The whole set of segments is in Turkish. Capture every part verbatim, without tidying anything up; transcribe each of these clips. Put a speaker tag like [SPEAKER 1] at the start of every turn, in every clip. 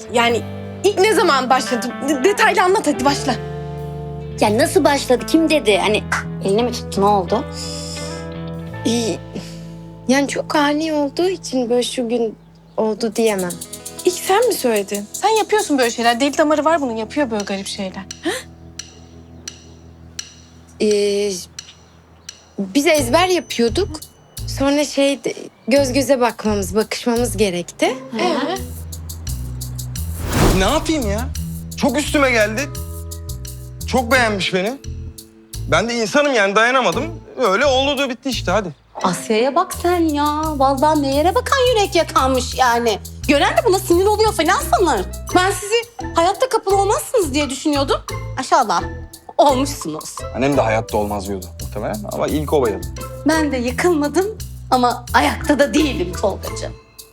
[SPEAKER 1] Yani ilk ne zaman başladı? De- detaylı anlat hadi başla.
[SPEAKER 2] Ya nasıl başladı? Kim dedi? Hani elini mi tuttu? Ne oldu?
[SPEAKER 3] İyi. Yani çok ani olduğu için böyle şu gün oldu diyemem.
[SPEAKER 1] İlk sen mi söyledin? Sen yapıyorsun böyle şeyler. Deli damarı var bunun, yapıyor böyle garip şeyler.
[SPEAKER 3] Ee, biz ezber yapıyorduk. Sonra şey göz göze bakmamız, bakışmamız gerekti.
[SPEAKER 1] Ee?
[SPEAKER 4] Ne yapayım ya? Çok üstüme geldi. Çok beğenmiş beni. Ben de insanım yani dayanamadım. Öyle oldu da bitti işte hadi.
[SPEAKER 5] Asya'ya bak sen ya. Vallahi ne yere bakan yürek yakanmış yani. Gören de buna sinir oluyor falan sanır. Ben sizi hayatta kapalı olmazsınız diye düşünüyordum. Aşağıda olmuşsunuz.
[SPEAKER 4] Annem de hayatta olmaz diyordu muhtemelen ama ilk o bayıldı.
[SPEAKER 5] Ben de yıkılmadım ama ayakta da değilim Tolgacığım.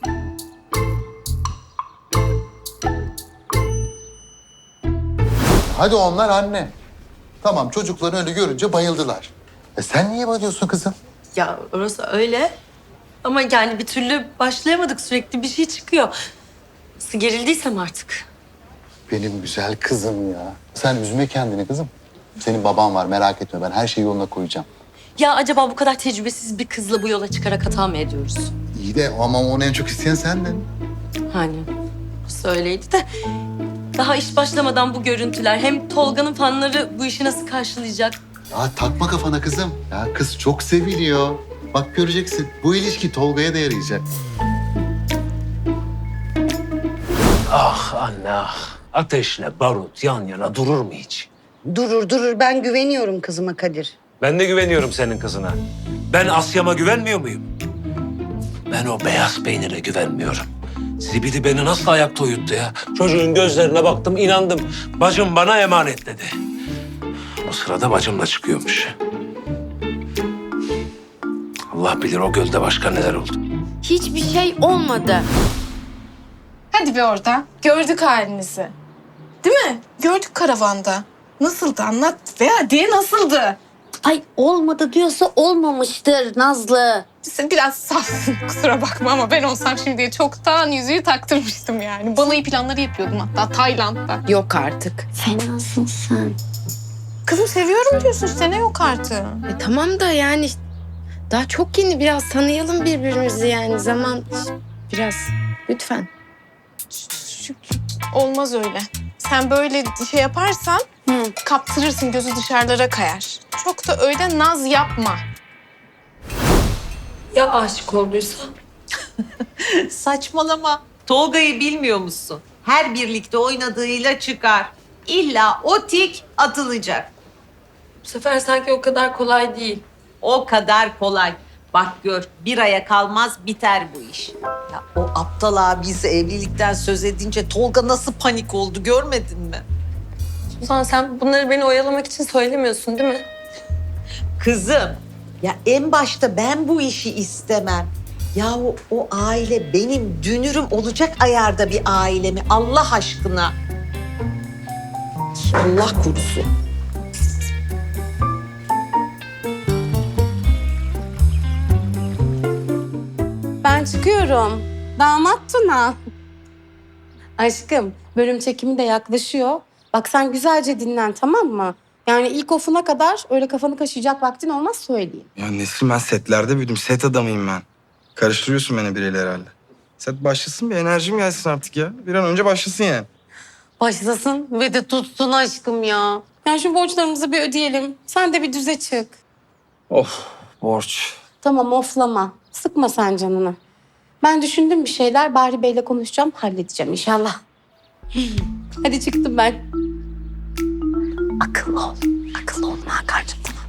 [SPEAKER 6] Hadi onlar anne. Tamam çocukları öyle görünce bayıldılar. E sen niye bayılıyorsun kızım?
[SPEAKER 7] Ya orası öyle. Ama yani bir türlü başlayamadık. Sürekli bir şey çıkıyor. Nasıl gerildiysem artık.
[SPEAKER 6] Benim güzel kızım ya. Sen üzme kendini kızım. Senin baban var merak etme ben her şeyi yoluna koyacağım.
[SPEAKER 7] Ya acaba bu kadar tecrübesiz bir kızla bu yola çıkarak hata mı ediyoruz?
[SPEAKER 6] İyi de ama onu en çok isteyen sendin.
[SPEAKER 7] Hani söyleydi de daha iş başlamadan bu görüntüler hem Tolga'nın fanları bu işi nasıl karşılayacak?
[SPEAKER 6] Ya takma kafana kızım. Ya kız çok seviliyor. Bak göreceksin bu ilişki Tolga'ya da yarayacak.
[SPEAKER 8] Ah anne ah. Ateşle barut yan yana durur mu hiç?
[SPEAKER 9] Durur durur ben güveniyorum kızıma Kadir.
[SPEAKER 8] Ben de güveniyorum senin kızına. Ben Asya'ma güvenmiyor muyum? Ben o beyaz peynire güvenmiyorum. Zibidi beni nasıl ayakta uyuttu ya? Çocuğun gözlerine baktım, inandım. Bacım bana emanet dedi. O sırada bacım da çıkıyormuş. Allah bilir o gölde başka neler oldu.
[SPEAKER 3] Hiçbir şey olmadı.
[SPEAKER 1] Hadi be orada. Gördük halinizi. Değil mi? Gördük karavanda. Nasıldı anlat ve hadi nasıldı?
[SPEAKER 2] Ay olmadı diyorsa olmamıştır Nazlı.
[SPEAKER 1] Sen biraz safsın kusura bakma ama ben olsam şimdiye çoktan yüzüğü taktırmıştım yani. Balayı planları yapıyordum hatta Tayland'da.
[SPEAKER 3] Yok artık.
[SPEAKER 2] Fenasın sen.
[SPEAKER 1] Kızım seviyorum diyorsun işte ne yok artık.
[SPEAKER 3] E, tamam da yani daha çok yeni biraz tanıyalım birbirimizi yani zaman biraz lütfen.
[SPEAKER 1] Olmaz öyle. Sen böyle şey yaparsan
[SPEAKER 2] Hı.
[SPEAKER 1] kaptırırsın gözü dışarılara kayar. Çok da öyle naz yapma.
[SPEAKER 7] Ya aşık olduysa?
[SPEAKER 10] Saçmalama. Tolga'yı bilmiyor musun? Her birlikte oynadığıyla çıkar. İlla o tik atılacak.
[SPEAKER 7] Bu sefer sanki o kadar kolay değil.
[SPEAKER 10] O kadar kolay. Bak gör bir aya kalmaz biter bu iş. Ya o aptal abisi evlilikten söz edince Tolga nasıl panik oldu görmedin mi?
[SPEAKER 7] Suzan sen bunları beni oyalamak için söylemiyorsun değil mi?
[SPEAKER 10] Kızım ya en başta ben bu işi istemem. Yahu o aile benim dünürüm olacak ayarda bir aile mi Allah aşkına? Allah korusun.
[SPEAKER 5] Ben çıkıyorum. Damat Tuna. Aşkım, bölüm çekimi de yaklaşıyor. Bak sen güzelce dinlen, tamam mı? Yani ilk ofuna kadar öyle kafanı kaşıyacak vaktin olmaz söyleyeyim.
[SPEAKER 4] Ya Nesrin ben setlerde büyüdüm. Set adamıyım ben. Karıştırıyorsun beni biriyle herhalde. Set başlasın bir enerjim gelsin artık ya. Bir an önce başlasın yani.
[SPEAKER 5] Başlasın ve de tutsun aşkım ya. Yani şu borçlarımızı bir ödeyelim. Sen de bir düze çık.
[SPEAKER 4] Of borç.
[SPEAKER 5] Tamam oflama. Sıkma sen canını. Ben düşündüm bir şeyler. Bahri Bey'le konuşacağım. Halledeceğim inşallah. Hadi çıktım ben. Akıllı ol. Akıllı ol Hakan'cığım tamam.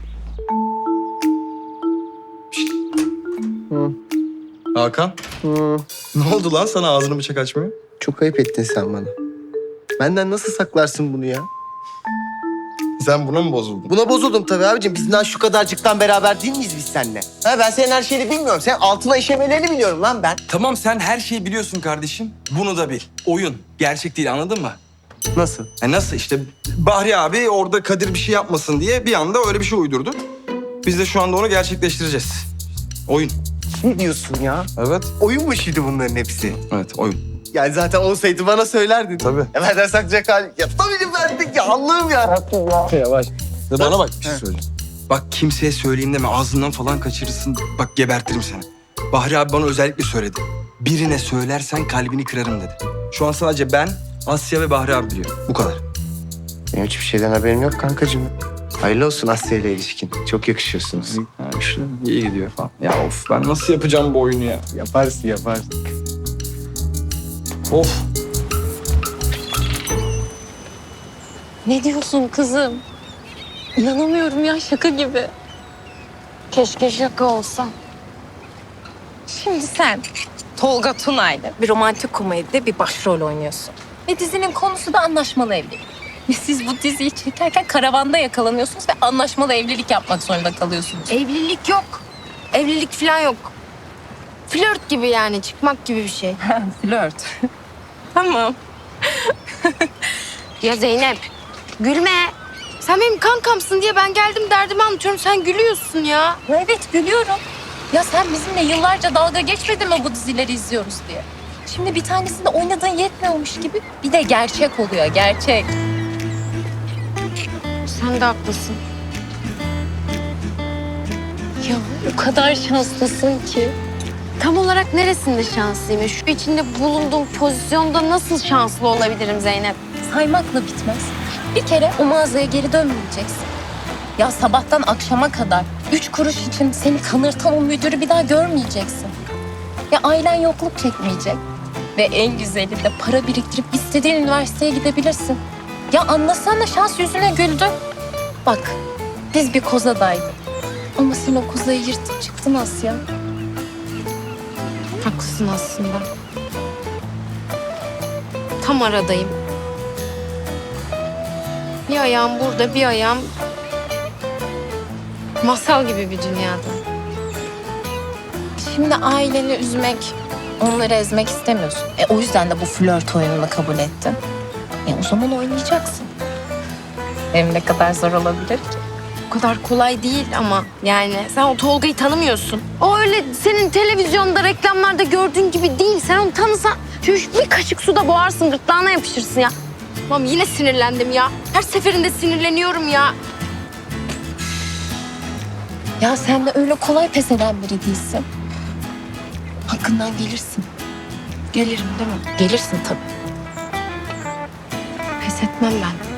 [SPEAKER 4] Hakan. Ne oldu lan sana ağzını bıçak açmıyor?
[SPEAKER 11] Çok ayıp ettin sen bana. Benden nasıl saklarsın bunu ya?
[SPEAKER 4] Sen buna mı bozuldun?
[SPEAKER 11] Buna bozuldum tabii abicim. Biz daha şu kadarcıktan beraber değil miyiz biz seninle? Ha, ben senin her şeyini bilmiyorum. Sen altına işemelerini biliyorum lan ben.
[SPEAKER 4] Tamam sen her şeyi biliyorsun kardeşim. Bunu da bil. Oyun. Gerçek değil anladın mı?
[SPEAKER 11] Nasıl?
[SPEAKER 4] E nasıl işte Bahri abi orada Kadir bir şey yapmasın diye bir anda öyle bir şey uydurdu. Biz de şu anda onu gerçekleştireceğiz. Oyun.
[SPEAKER 11] Ne diyorsun ya?
[SPEAKER 4] Evet.
[SPEAKER 11] Oyun mu şimdi bunların hepsi?
[SPEAKER 4] Evet oyun.
[SPEAKER 11] Yani zaten olsaydı bana söylerdin.
[SPEAKER 4] Tabii.
[SPEAKER 11] Ya benden saklayacak hal. Ya tabii verdik ya Allah'ım ya.
[SPEAKER 4] Yavaş. Bana bak bir şey söyleyeceğim. Bak kimseye söyleyeyim deme ağzından falan kaçırırsın. Bak gebertirim seni. Bahri abi bana özellikle söyledi. Birine söylersen kalbini kırarım dedi. Şu an sadece ben, Asya ve Bahri abi biliyor. Bu kadar.
[SPEAKER 11] Benim hiçbir şeyden haberim yok kankacığım. Hayırlı olsun Asya ile ilişkin. Çok yakışıyorsunuz.
[SPEAKER 4] Ha işte iyi gidiyor falan. Ya of ben nasıl yapacağım bu oyunu ya?
[SPEAKER 11] Yaparsın yaparsın.
[SPEAKER 4] Of.
[SPEAKER 3] Ne diyorsun kızım? İnanamıyorum ya, şaka gibi.
[SPEAKER 5] Keşke şaka olsa.
[SPEAKER 1] Şimdi sen Tolga Tunay'la bir romantik komedide bir başrol oynuyorsun. Ve dizinin konusu da anlaşmalı evlilik. Ve siz bu diziyi çekerken karavanda yakalanıyorsunuz ve anlaşmalı evlilik yapmak zorunda kalıyorsunuz.
[SPEAKER 5] Evlilik yok. Evlilik falan yok. Flört gibi yani, çıkmak gibi bir şey.
[SPEAKER 1] Flört. Tamam.
[SPEAKER 5] Ya Zeynep, gülme. Sen benim kankamsın diye ben geldim derdimi anlatıyorum. Sen gülüyorsun ya.
[SPEAKER 1] Evet gülüyorum. Ya sen bizimle yıllarca dalga geçmedin mi bu dizileri izliyoruz diye? Şimdi bir tanesinde oynadığın yetmiyormuş gibi bir de gerçek oluyor, gerçek.
[SPEAKER 5] Sen de haklısın.
[SPEAKER 1] Ya o kadar şanslısın ki.
[SPEAKER 5] Tam olarak neresinde şanslıyım? Şu içinde bulunduğum pozisyonda nasıl şanslı olabilirim Zeynep?
[SPEAKER 1] Saymakla bitmez. Bir kere o mağazaya geri dönmeyeceksin. Ya sabahtan akşama kadar üç kuruş için seni kanırtan o müdürü bir daha görmeyeceksin. Ya ailen yokluk çekmeyecek. Ve en güzeli de para biriktirip istediğin üniversiteye gidebilirsin. Ya anlasana şans yüzüne güldü. Bak biz bir kozadaydık. Ama sen o kozayı yırtıp çıktın Asya.
[SPEAKER 5] Haklısın aslında. Tam aradayım. Bir ayağım burada, bir ayağım masal gibi bir dünyada.
[SPEAKER 1] Şimdi aileni üzmek, onları ezmek istemiyorsun. E o yüzden de bu flört oyununu kabul ettin. E o zaman oynayacaksın. Hem ne kadar zor olabilir ki?
[SPEAKER 5] O kadar kolay değil ama yani sen o Tolga'yı tanımıyorsun. O öyle senin televizyonda, reklamlarda gördüğün gibi değil. Sen onu tanısan şu bir kaşık suda boğarsın, gırtlağına yapışırsın ya. Tamam yine sinirlendim ya. Her seferinde sinirleniyorum ya.
[SPEAKER 1] Ya sen de öyle kolay pes eden biri değilsin. Hakkından gelirsin.
[SPEAKER 5] Gelirim değil mi?
[SPEAKER 1] Gelirsin tabii.
[SPEAKER 5] Pes etmem ben.